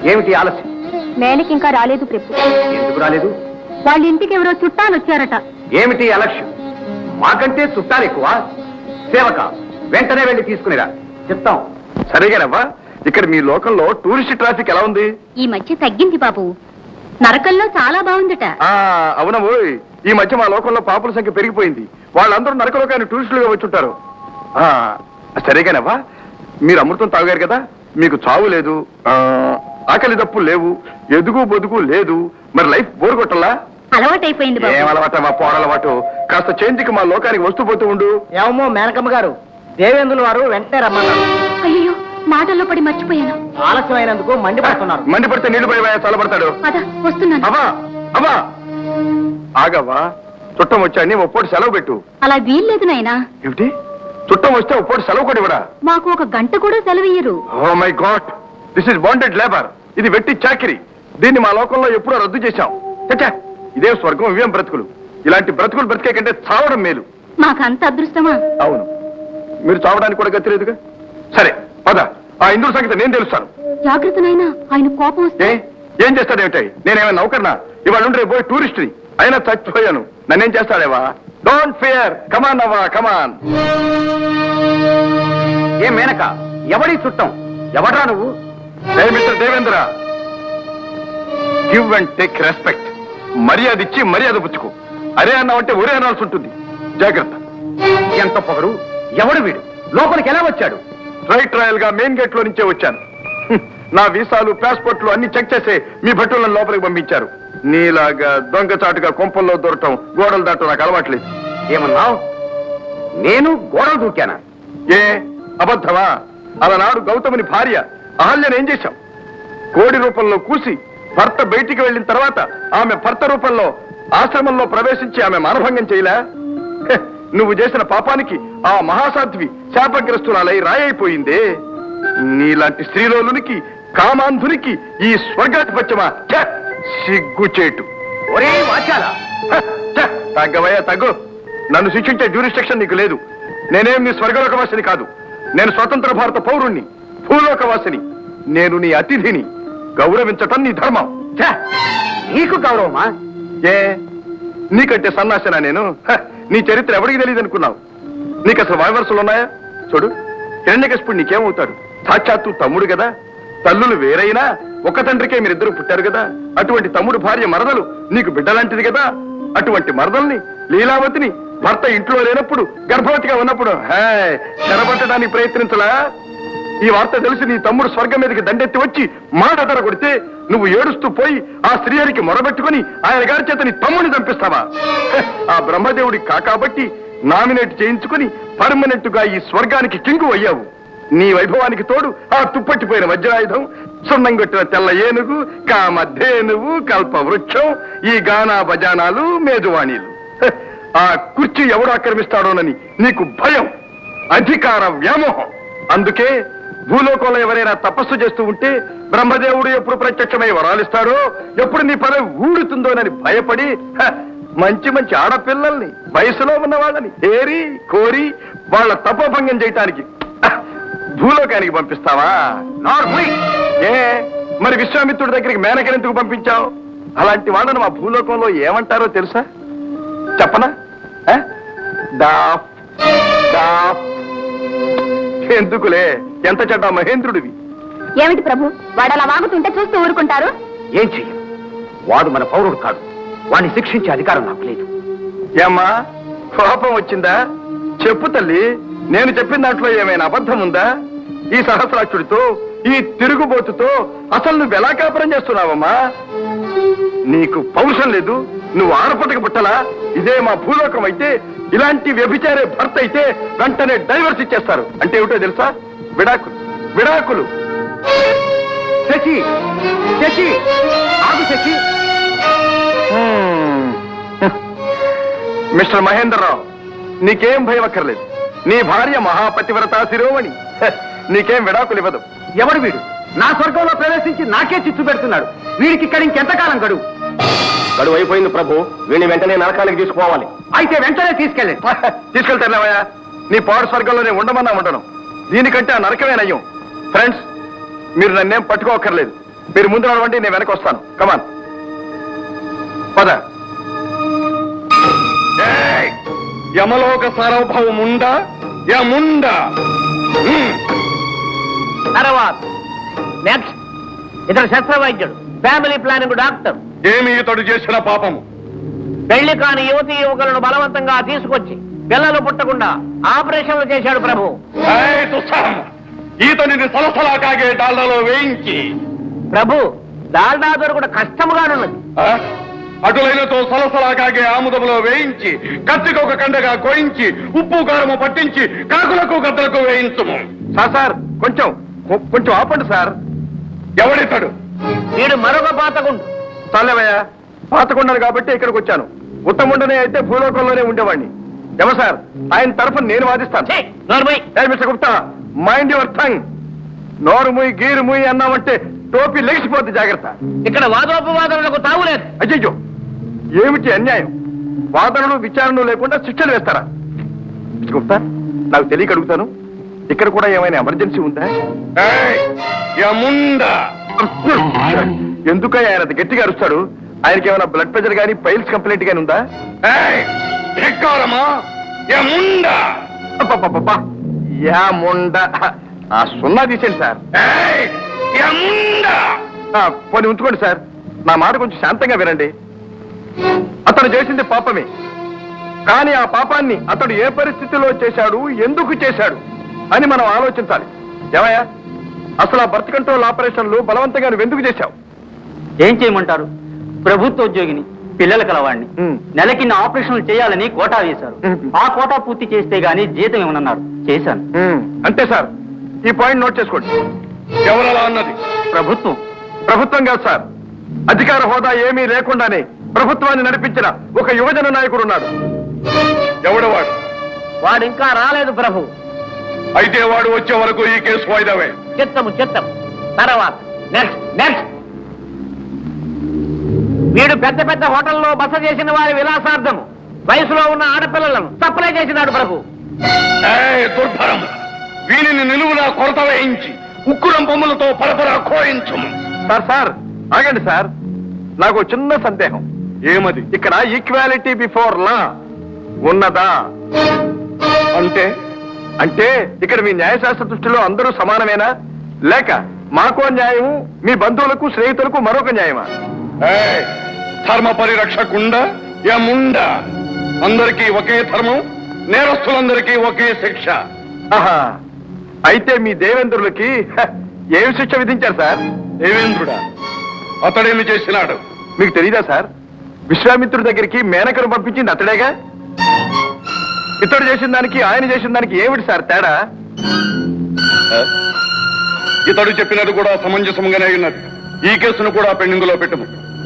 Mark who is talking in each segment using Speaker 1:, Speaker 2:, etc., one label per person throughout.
Speaker 1: ఏమిటి ఆలస్యం?
Speaker 2: మేనకి ఇంకా రాలేదు ప్రభు.
Speaker 1: ఎందుకు రాలేదు?
Speaker 2: వాళ్ళ ఇంటికి ఎవరో చుట్టాలు వచ్చారట.
Speaker 1: ఏమిటి అలక్ష్యం? మాకంటే చుట్టాలు ఎక్కువ. సేవక, వెంటనే వెళ్ళి తీసుకునిరా. చెప్తాం. సరేగానవ్వా. ఇక్కడ మీ లోకంలో టూరిస్ట్ ట్రాఫిక్ ఎలా ఉంది?
Speaker 2: ఈ మధ్య తగ్గింది బాబు. నరకంలో చాలా బాగుందట.
Speaker 1: అవునవు. ఈ మధ్య మా లోకంలో పాపుల సంఖ్య పెరిగిపోయింది. వాళ్ళందరూ నరకలోకాన్ని టూరిస్టులుగా వచ్చుంటారు. సరేగానవ్వా. మీరు అమృతం తాగారు కదా, మీకు చావు లేదు, ఆకలి దప్పులు లేవు, ఎదుగు బొదుగు లేదు. మరి లైఫ్ బోర్ కొట్టల్లా?
Speaker 2: అలవాటైపోయింది.
Speaker 1: ఏం అలవాటమ్మా? పోరలవాటు. కాస్త చేంజ్కి మా లోకానికి వస్తూ పోతూ ఉండు.
Speaker 3: ఏమో మేనకమ్మ గారు, దేవేంద్రుల వారు వెంటనే రమ్మన్నారు.
Speaker 2: అయ్యో, మాటల్లో పడి మర్చిపోయాను.
Speaker 3: ఆలస్యం అయినందుకు మండిపడుతున్నారు.
Speaker 1: మండిపడితే నీళ్లు పోయి చల్లబడతాడు.
Speaker 2: వస్తున్నాను.
Speaker 1: అవా అవా ఆగవ్వా. చుట్టం వచ్చాన్ని ఒప్పోటి సెలవు పెట్టు.
Speaker 2: అలా వీల్లేదు నాయనా.
Speaker 1: ఏమిటి? చుట్టం వస్తే ఒప్పోటి సెలవు కూడా ఇవ్వడా?
Speaker 2: మాకు ఒక గంట కూడా సెలవియ్యరు.
Speaker 1: Oh my god, this is bonded labour. ఇది వెట్టి చాకిరి. దీన్ని మా లోకంలో ఎప్పుడో రద్దు చేశాం. చచ్చా, ఇదే స్వర్గం, ఇవేం బ్రతుకులు. ఇలాంటి బ్రతుకులు బ్రతికే కంటే చావడం మేలు.
Speaker 2: మాకంత అదృష్టమా?
Speaker 1: అవును, మీరు చావడానికి కూడా గతి లేదుగా. సరే పద, ఆ ఇంద్రుడి సంగతి నేను తెలుస్తాను.
Speaker 2: జాగ్రత్త నాయనా, ఆయన కోపం వస్తే.
Speaker 1: ఏం చేస్తాడేమిటాయి? నేనేమైనా నౌకర్నా? ఇవాళ ఉండే పోయి టూరిస్ట్ని. అయినా చచ్చిపోయాను, నన్నేం చేస్తాడేవా? డోంట్ ఫియర్, కమాన్ అవ్వా, కమాన్. ఏ మేనక, ఎవడి చుట్టం? ఎవడ్రా నువ్వు? Mister Devendra, give and take respect. మర్యాద ఇచ్చి మర్యాద పుచ్చుకో. అరే అన్నావంటే ఒరే అనాల్సి ఉంటుంది. జాగ్రత్త. ఎంత పొగరు! ఎవడు వీడు? లోపలికి ఎలా వచ్చాడు? ట్రయల్ గా మెయిన్ గేట్ లో నుంచే వచ్చాను. నా వీసాలు, పాస్పోర్ట్లు అన్ని చెక్ చేసే మీ భటులను లోపలికి పంపించారు. నీలాగా దొంగచాటుగా కొంపల్లో దూరటం, గోడలు దాటం నాకు అలవాట్లేదు. ఏమన్నావు? నేను గోడలు దూకానా? ఏ అబద్ధమా? అలనాడు గౌతముని భార్య అహల్యను ఏం చేశాం? కోడి రూపంలో కూసి భర్త బయటికి వెళ్ళిన తర్వాత ఆమె భర్త రూపంలో ఆశ్రమంలో ప్రవేశించి ఆమె మానభంగం చేయలే? నువ్వు చేసిన పాపానికి ఆ మహాసాధ్వి శాపగ్రస్తురాలై రాయైపోయిందే. నీలాంటి స్త్రీలోలునికి, కామాంధునికి ఈ స్వర్గాధిపత్యమా? సిగ్గుచేటు. ఒరే వాచాల, తగ్గవయ్యా తగ్గు. నన్ను శిక్షించే జ్యూరిస్డిక్షన్ నీకు లేదు. నేనేం నీ స్వర్గలోకవాసిని కాదు. నేను స్వతంత్ర భారత పౌరుణ్ణి, భూలోకవాసిని. నేను నీ అతిథిని. గౌరవించటం నీ ధర్మం. నీకు గౌరవమా? ఏ నీకంటే సన్నాసనా నేను? నీ చరిత్ర ఎవరికి తెలియదు అనుకున్నావు? నీకు అసలు వాయవరసలు ఉన్నాయా? చూడు, హిరణ్యకశిపుడు నీకేమవుతాడు? సాక్షాత్తు తమ్ముడు కదా. తల్లులు వేరైనా ఒక తండ్రికే మీరిద్దరు పుట్టారు కదా. అటువంటి తమ్ముడు భార్య మరదలు నీకు బిడ్డలాంటిది కదా. అటువంటి మరదల్ని, లీలావతిని భర్త ఇంట్లో లేనప్పుడు, గర్భవతిగా ఉన్నప్పుడు చెరబట్టడానికి ప్రయత్నించలా? ఈ వార్త తెలిసి నీ తమ్ముడు స్వర్గం మీదకి దండెత్తి వచ్చి మాట కొడితే నువ్వు ఏడుస్తూ పోయి ఆ శ్రీహరికి మొరబెట్టుకుని ఆయన గారి చేత నీ తమ్ముడిని చంపిస్తావా? ఆ బ్రహ్మదేవుడి కాకాబట్టి నామినేట్ చేయించుకుని పర్మనెంట్ గా ఈ స్వర్గానికి కింగు అయ్యావు. నీ వైభవానికి తోడు ఆ తుప్పట్టిపోయిన వజ్రాయుధం, సున్నంగొట్టిన తెల్ల ఏనుగు, కామధేనువు, కల్ప వృక్షం, ఈ గానా బజానాలు, మేజువాణీలు. ఆ కుర్చీ ఎవడు ఆక్రమిస్తాడోనని నీకు భయం, అధికార వ్యామోహం. అందుకే భూలోకంలో ఎవరైనా తపస్సు చేస్తూ ఉంటే బ్రహ్మదేవుడు ఎప్పుడు ప్రత్యక్షమై వరాలిస్తాడో, ఎప్పుడు నీ పదవి ఊడుతుందోనని భయపడి మంచి మంచి ఆడపిల్లల్ని, వయసులో ఉన్న వాళ్ళని ఏరి కోరి వాళ్ళ తపోభంగం చేయటానికి భూలోకానికి పంపిస్తావా? ఏ మరి విశ్వామిత్రుడి దగ్గరికి మేనకని ఎందుకు పంపించావు? అలాంటి వాళ్ళను మా భూలోకంలో ఏమంటారో తెలుసా? చెప్పనా? ఎందుకులే, ఎంత చెడ్డ మహేంద్రుడివి.
Speaker 2: ఏమిటి ప్రభు, వాడు అలా వాగుతుంటే చూస్తూ ఊరుకుంటారు?
Speaker 1: ఏం చెయ్యం, వాడు మన పౌరుడు కాదు. వాడిని శిక్షించే అధికారం నాకు లేదు. ఏమ్మా, కోపం వచ్చిందా? చెప్పు తల్లి. నేను చెప్పిన దాంట్లో ఏమైనా అబద్ధం ఉందా? ఈ సహస్రాక్షుడితో, ఈ తిరుగుబోతుతో అసలు నువ్వు ఎలా కాపురం చేస్తున్నావమ్మా? నీకు పౌరుషం లేదు? నువ్వు ఆడపట్టక పుట్టలా? ఇదే మా భూలోకం అయితే ఇలాంటి వ్యభిచారే భర్త అయితే వెంటనే డైవర్స్ ఇచ్చేస్తారు. అంటే ఏమిటో తెలుసా? విడాకులు, విడాకులు. శశి, శశి, ఆగు శశి. మిస్టర్ మహేంద్రరావు, నీకేం భయం అక్కర్లేదు. నీ భార్య మహాపతివ్రత శిరోమణి. నీకేం విడాకులు ఇవ్వదు. ఎవడు వీడు? నా స్వర్గంలో ప్రవేశించి నాకే చిచ్చు పెడుతున్నాడు. వీడికి ఇక్కడ ఇంకెంతకాలం గడువు? గడువు అయిపోయింది ప్రభు. వీడిని వెంటనే నరకానికి తీసుకోవాలి. అయితే వెంటనే తీసుకెళ్ళండి. తీసుకెళ్తానవయ్యా. నీ పాడు స్వర్గంలోనే ఉండమన్నా ఉండను. దీనికంటే ఆ నరకమే నయ్యం. ఫ్రెండ్స్, మీరు నన్నేం పట్టుకోకర్లేదు. మీరు ముందు నడవండి, నేను వెనక వస్తాను. కమాన్ పద. యమలోక సార్వభౌముండా యముండా.
Speaker 3: తర్వాత నెక్స్ట్ ఇతడు శస్త్రవైద్యుడు, ఫ్యామిలీ ప్లానింగ్ డాక్టర్.
Speaker 1: ఏమి ఇతడు చేసిన పాపము?
Speaker 3: పెళ్లి కాని యువతీ యువకులను బలవంతంగా తీసుకొచ్చి పిల్లలు పుట్టకుండా ఆపరేషన్లు చేశాడు ప్రభు.
Speaker 1: ఈతనిని సలసలా కాగే డాల్డాలో వేయించి.
Speaker 3: ప్రభు, డాల్డా దొరకడం కష్టముగానున్నది.
Speaker 1: అటులైనతో సలసలా కాగే ఆముదములో వేయించి, కత్తికొక కండగా కోయించి, ఉప్పు కారము పట్టించి, కాకులకు గద్దలకు వేయించుము. సార్ కొంచెం కొంచెం ఆపండి సార్. ఎవడితాడు?
Speaker 3: వీడు మరొక పాతకుండు.
Speaker 1: చాలేవయ్యా, పాతకుండాను కాబట్టి ఇక్కడికి వచ్చాను. ఉత్తముండనే అయితే భూలోకంలోనే ఉండేవాడిని. ఏమో సార్, ఆయన తరఫున నేను వాదిస్తాను. Mister Gupta, mind your tongue. నోరు ముయ్ గీరు ముయ్ అన్నామంటే టోపీ లెగిసిపోద్ది, జాగ్రత్త.
Speaker 3: ఇక్కడ వాదోపవాదనలకు తావులేదు.
Speaker 1: అయ్యో, ఏమిటి అన్యాయం? వాదనలు విచారణలు లేకుండా శిక్షలు వేస్తారా? మిస్టర్ గుప్తా, నాకు తెలియక అడుగుతాను, ఇక్కడ కూడా ఏమైనా ఎమర్జెన్సీ ఉందా? ఎందుకయ్యా ఆయన అంత గట్టిగా అరుస్తాడు? ఆయనకి ఏమైనా బ్లడ్ ప్రెషర్ గానీ పైల్స్ కంప్లైంట్ గానీ ఉందా? ఆ సున్నా తీసేయండి సార్. పోనీ ఉంచుకోండి సార్. నా మాట కొంచెం శాంతంగా వినండి. అతను చేసింది పాపమే, కానీ ఆ పాపాన్ని అతడు ఏ పరిస్థితిలో చేశాడు, ఎందుకు చేశాడు అని మనం ఆలోచించాలి. ఏమయ్యా, అసలు ఆ బర్త్ కంట్రోల్ ఆపరేషన్లు బలవంతంగా నువ్వు ఎందుకు చేశావు?
Speaker 3: ఏం చేయమంటారు? ప్రభుత్వ ఉద్యోగిని, పిల్లల కలవాడిని. నెలకి నా ఆపరేషన్లు చేయాలని కోటా వేశారు. ఆ కోటా పూర్తి చేస్తే గానీ జీతం ఏమన్నారు, చేశాను.
Speaker 1: అంతే సార్, ఈ పాయింట్ నోట్ చేసుకోండి. ఎవరలా అన్నది?
Speaker 3: ప్రభుత్వం.
Speaker 1: ప్రభుత్వం కాదు సార్, అధికార హోదా ఏమీ లేకుండానే ప్రభుత్వాన్ని నడిపించిన ఒక యువజన నాయకుడు ఉన్నాడు. ఎవడవాడు?
Speaker 3: వాడు ఇంకా రాలేదు ప్రభు.
Speaker 1: అయితే వాడు వచ్చే వరకు ఈ కేసు వాయిదావే.
Speaker 3: చిత్తము. తర్వాత నెక్స్ట్ వీడు పెద్ద పెద్ద హోటల్లో బస చేసిన వారి విలాసార్థము వయసులో ఉన్న ఆడపిల్లలను సప్లై చేసినాడు ప్రభు.
Speaker 1: దుర్భరం, వీనిని నిలువునా కొరత వేయించి ఉక్కురం బొమ్మలతో పరపరా కోయించు. సార్ ఆగండి సార్, నాకు చిన్న సందేహం. ఏమది? ఇక్కడ ఈక్వాలిటీ బిఫోర్ లా ఉన్నదా? అంటే ఇక్కడ మీ న్యాయశాస్త్ర దృష్టిలో అందరూ సమానమేనా, లేక మాకో న్యాయము, మీ బంధువులకు స్నేహితులకు మరొక న్యాయమా? ధర్మ పరిరక్షకుండా యముండా, అందరికీ ఒకే ధర్మం, నేరస్తులందరికీ ఒకే శిక్ష. అయితే మీ దేవేంద్రులకి ఏమి శిక్ష విధించారు సార్? దేవేంద్రుడా? అతడేమి చేసినాడు మీకు తెలీదా సార్? విశ్వామిత్రుడి దగ్గరికి మేనకను పంపించింది అతడేగా. ఇతడు చేసిన దానికి ఆయన చేసిన దానికి ఏమిటి సార్ తేడా? ఇతడు చెప్పినది కూడా సమంజసంగానే ఉన్నది. ఈ కేసును కూడా పెండింగ్ లో పెట్టము.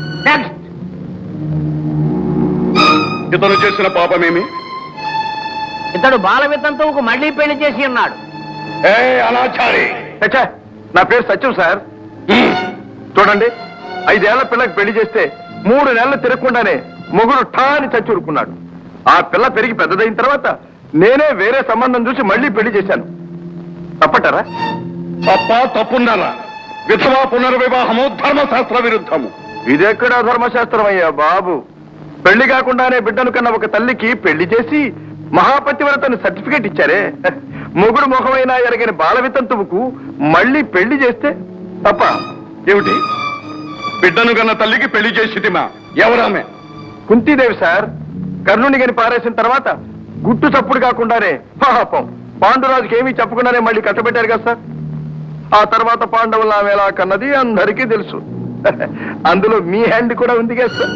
Speaker 1: ఇతను చేసిన పాపమేమి?
Speaker 3: ఇతడు బాల వితంతువుకు మళ్లీ పెళ్లి చేసి ఉన్నాడు.
Speaker 1: అనాచారి! నా పేరు సత్యం సార్. చూడండి, 5 ఏళ్ల పిల్లకి పెళ్లి చేస్తే 3 నెలలు తిరగకుండానే మొగుడు ఠాని చచ్చూరుకున్నాడు. ఆ పిల్ల పెరిగి పెద్దదైన తర్వాత నేనే వేరే సంబంధం చూసి మళ్లీ పెళ్లి చేశాను. తప్పటారా? తప్పున్నారా? విధవా పునర్వివాహము ధర్మశాస్త్ర విరుద్ధము. ఇదెక్కడా ధర్మశాస్త్రం అయ్యా బాబు? పెళ్లి కాకుండానే బిడ్డను కన్నా ఒక తల్లికి పెళ్లి చేసి మహాపతివ్రతని సర్టిఫికేట్ ఇచ్చారే. మొగుడు ముఖమైనా ఎరగని బాలవితంతువుకు మళ్లీ పెళ్లి చేస్తే తప్ప ఏమిటి? బిడ్డను కన్నా తల్లికి పెళ్లి చేసిదిమా? ఎవరామె? కుంతీదేవి సార్. కర్ణుని గని పారేసిన తర్వాత గుట్టు చప్పుడు కాకుండానే పాపం పాండురాజుకి ఏమీ చెప్పకుండానే మళ్ళీ కట్టబెట్టారు కదా సార్. ఆ తర్వాత పాండవులు ఆమె ఎలా కన్నది అందరికీ తెలుసు. అందులో మీ హ్యాండ్ కూడా ఉంది కదా సార్.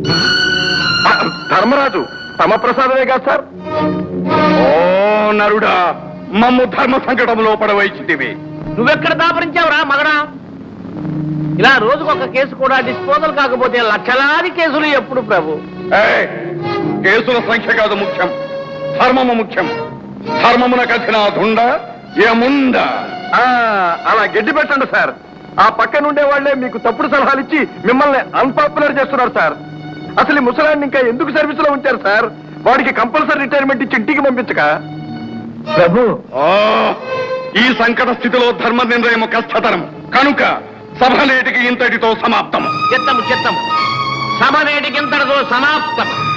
Speaker 1: ధర్మరాజు తమ ప్రసాదమే కదా సార్. ఓ నరుడా, మమ్ము ధర్మ సంకటంలో పడవైచితివి.
Speaker 3: నువ్వెక్కడ దాపరించావురా మగడా? ఇలా రోజుకొక కేసు కూడా డిస్పోజల్ కాకపోతే లక్షలాది కేసులు ఎప్పుడు ప్రభు?
Speaker 1: కేసుల సంఖ్య కాదు ముఖ్యం, ధర్మము ముఖ్యం. ధర్మమున కథిన దుండ ఏముండ. అలా గడ్డి పెట్టండి సార్. ఆ పక్కన ఉండే వాళ్లే మీకు తప్పుడు సలహాలు ఇచ్చి మిమ్మల్ని అన్పాపులర్ చేస్తున్నారు సార్. అసలు ఈ ముసలాన్ని ఇంకా ఎందుకు సర్వీస్ లో ఉంచారు సార్? వాడికి కంపల్సరీ రిటైర్మెంట్ ఇచ్చి ఇంటికి పంపించక. ప్రభు, ఈ సంకట స్థితిలో ధర్మ నిర్ణయం కష్టతరం కనుక సభ నేటికి ఇంతటితో సమాప్తము.
Speaker 4: చిత్తము సభ నేటికి ఇంతటితో సమాప్తం.